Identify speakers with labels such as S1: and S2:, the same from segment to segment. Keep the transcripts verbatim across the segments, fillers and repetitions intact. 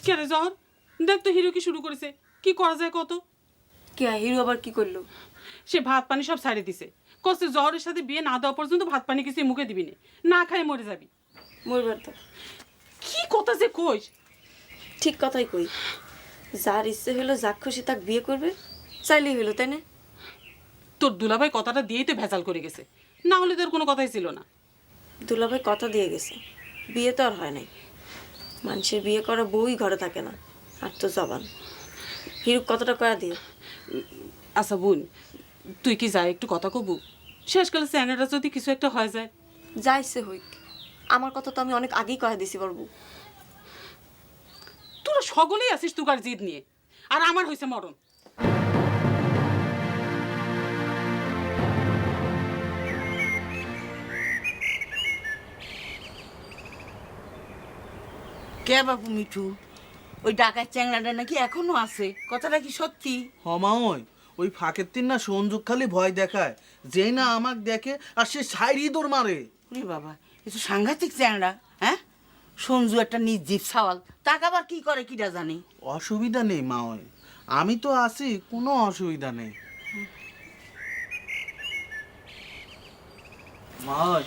S1: কে রে জহর, দেখ তো হিরো কি শুরু করেছে, কি করা যায় কত?
S2: কে হিরো আবার কি করলো?
S1: সে ভাত পানি সব ছাড়ে দিছে, কষ্ট জহরের সাথে বিয়ে না দেওয়া পর্যন্ত ভাত পানি কিছু মুখে দিবি না, না খাই মরে যাবি।
S2: মরবার তো
S1: কি কথা যে কইস!
S2: ঠিক কথাই কই, যার ইচ্ছে হলো যাক খুশি তাক বিয়ে করবে, চাইলেই হলো, তাই না?
S1: তোর দুলাভাই কথাটা দিয়েই তো ভেজাল করে গেছে, না হলে তোর কোনো কথাই ছিল না।
S2: দুলাভাই কথা দিয়ে গেছে, বিয়ে তো আর হয় নাই। মানুষের বিয়ে করা বউই ঘরে থাকে না, আর তো জবান। হিরুক কতটা কয়া দিয়ে।
S1: আচ্ছা বোন, তুই কি যাই একটু কথা কবু? শেষকালে স্যানেরা যদি কিছু একটা হয়ে যায়।
S2: যাইছে হইক, আমার কথা তো আমি অনেক আগেই কয়া দিছি বাবু।
S1: তোরা সকলেই আছিস তুকার জিদ নিয়ে, আর আমার হয়েছে মরণ।
S3: কে বাপু মিঠু, ওই ডাকাত চ্যাংড়াটা নাকি এখনো আছে, কথাটা কি সত্যি?
S4: হমাওই ওই ফাঁকের তিন না সঞ্জুক খালি ভয় দেখায়, যেই না আমাকে দেখে আর সে সাইরি দৌড় মারে।
S3: ওরে বাবা, এ তো সাংঘাতিক চ্যাংড়া। হ্যাঁ, সঞ্জু একটা নির্জীব সাওয়াল, তাকে আবার কি করে কিটা জানি।
S4: অসুবিধা নেই মা, ওই আমি তো আছি, কোনো অসুবিধা নেই মা। ওই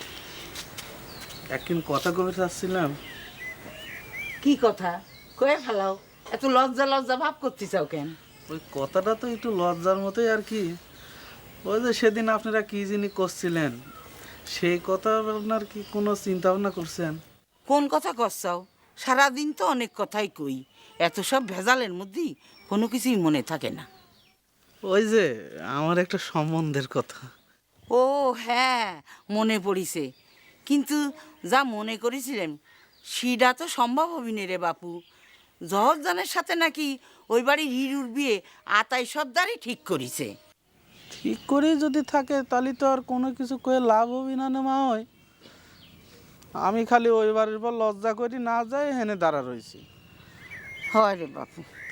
S4: একদিন কথা কবে চাচ্ছিলাম।
S3: কি কথা কয়ে ফেলাও, এত লজ্জা লজ্জা ভাব করতে চাও কেন?
S4: ওই কথাটা তো একটু লজ্জার মতোই আর কি। ওই যে সেদিন আপনারা কি জিনিস করছিলেন, সেই কথা আপনার কি কোনো চিন্তা ভাবনা করছেন?
S3: কোন কথা করছাও? সারাদিন তো অনেক কথাই কই, এত সব ভেজালের মধ্যেই কোনো কিছুই মনে থাকে না।
S4: ওই যে আমার একটা সম্বন্ধের কথা।
S3: ও হ্যাঁ, মনে পড়িছে, কিন্তু যা মনে করেছিলেন সেটা তো সম্ভব হবি না রে বাপু। জহরজানের সাথে নাকি ওই বাড়ির হিরুর বিয়ে আতাই সর্দারই ঠিক করেছে।
S4: ঠিক করেই যদি থাকে তাহলে তো আর কোনো কিছু করে লাভ হবি না না মা। হয় আমি খালি ওই বাড়ির পর লজ্জা করি না যায় হেনে দাঁড়া রয়েছি।
S3: হয় রে বাপু,